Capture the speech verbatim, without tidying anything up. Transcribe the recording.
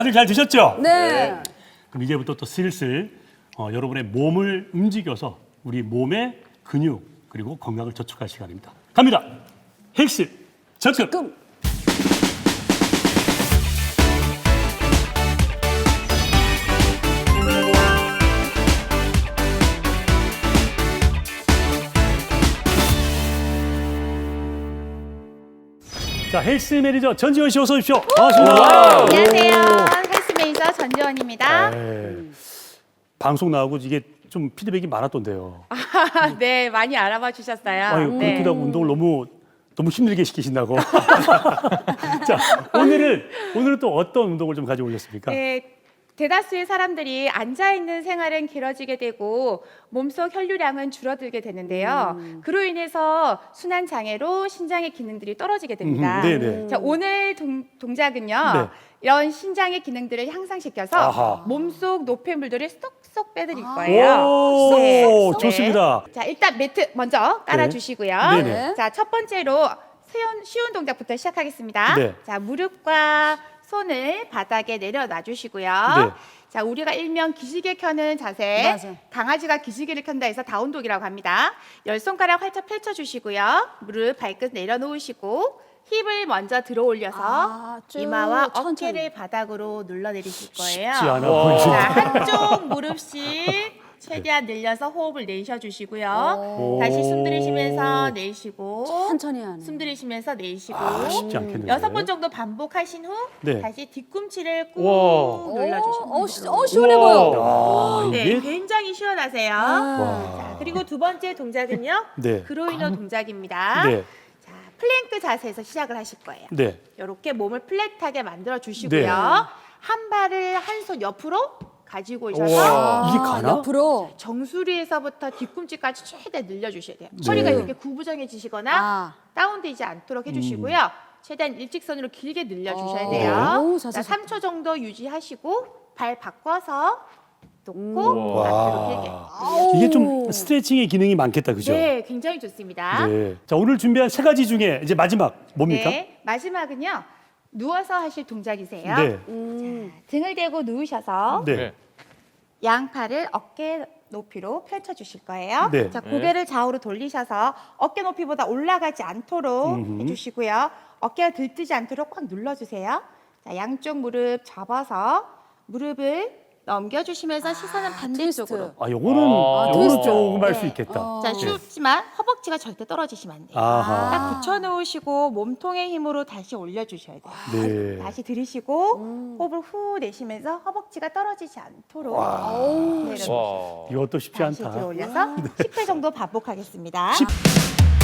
다들 잘 드셨죠? 네. 그럼 이제부터 또 슬슬 어, 여러분의 몸을 움직여서 우리 몸의 근육 그리고 건강을 저촉할 시간입니다. 갑니다. 헬스 접근. 끔. 자, 헬스 매니저 전지현 씨 어서 오십시오. 반갑습니다. 안녕하세요. 헬스 매니저 전지원입니다. 네. 방송 나오고 이게 좀 피드백이 많았던데요. 아, 네, 많이 알아봐 주셨어요. 아유, 네. 그렇기도 하고 운동을 너무 너무 힘들게 시키신다고. 자, 오늘은 오늘은 또 어떤 운동을 좀 가지고 오셨습니까? 네, 대다수의 사람들이 앉아 있는 생활은 길어지게 되고 몸속 혈류량은 줄어들게 되는데요. 그로 인해서 순환 장애로 신장의 기능들이 떨어지게 됩니다. 음, 네네. 자, 오늘 동, 동작은요. 네. 이런 신장의 기능들을 향상시켜서 아하. 몸속 노폐물들을 쏙쏙 빼드릴 거예요. 오, 네. 좋습니다. 자, 일단 매트 먼저 깔아주시고요. 네네. 자, 첫 번째로 쉬운, 쉬운 동작부터 시작하겠습니다. 네. 자, 무릎과 손을 바닥에 내려놔 주시고요. 네. 자, 우리가 일명 기지개 켜는 자세, 맞아. 강아지가 기지개를 켠다 해서 다운독이라고 합니다. 열 손가락 활짝 펼쳐주시고요. 무릎 발끝 내려놓으시고 힙을 먼저 들어 올려서 아, 쭉 이마와 천천히. 어깨를 바닥으로 눌러내리실 거예요. 쉽지 않아 자, 보이시네. 한쪽 무릎씩 최대한 늘려서 호흡을 내쉬어주시고요. 오. 다시 숨 들이쉬면서 내쉬고 천천히 하네. 숨 들이쉬면서 내쉬고 아, 쉽지 않겠는데. 여섯 번 정도 반복하신 후 네. 다시 뒤꿈치를 꾹 와. 눌러주시면 어, 돼요. 시, 어, 시원해 보여. 아, 네, 이게 굉장히 시원하세요. 아. 자, 그리고 두 번째 동작은요. 네. 그로이너 동작입니다. 네. 자, 플랭크 자세에서 시작을 하실 거예요. 네. 이렇게 몸을 플랫하게 만들어 주시고요. 네. 한 발을 한 손 옆으로 가지고 오셔서 우와. 이게 가나? 옆으로. 정수리에서부터 뒤꿈치까지 최대한 늘려주셔야 돼요. 네. 허리가 이렇게 구부정해지시거나 아. 다운되지 않도록 해주시고요. 최대한 일직선으로 길게 늘려주셔야 어. 돼요. 오, 자세 자, 삼 초 정도 유지하시고 발 바꿔서 놓고 우와. 앞으로 길게. 아우. 이게 좀 스트레칭의 기능이 많겠다, 그죠? 네, 굉장히 좋습니다. 네. 자, 오늘 준비한 세 가지 중에 이제 마지막 뭡니까? 네, 마지막은요. 누워서 하실 동작이세요. 네. 음. 등을 대고 누우셔서 네. 네. 양팔을 어깨 높이로 펼쳐 주실 거예요. 네. 자, 고개를 좌우로 돌리셔서 어깨 높이보다 올라가지 않도록 음흠. 해주시고요. 어깨가 들뜨지 않도록 꽉 눌러주세요. 자, 양쪽 무릎 접어서 무릎을 넘겨주시면서 시선은 반대쪽으로. 트위스트. 아, 요거는 아, 요거는 트위스트. 조금 할 수 네. 있겠다. 어. 자, 쉽지만 허벅지가 절대 떨어지시면 안 돼요. 아하. 딱 붙여놓으시고 몸통의 힘으로 다시 올려주셔야 돼요. 네. 다시 들이쉬고 음. 호흡을 후 내쉬면서 허벅지가 떨어지지 않도록 어우. 내려놓으시고 와. 이것도 쉽지 다시 않다. 들어 올려서 십 회 정도 반복하겠습니다. 십-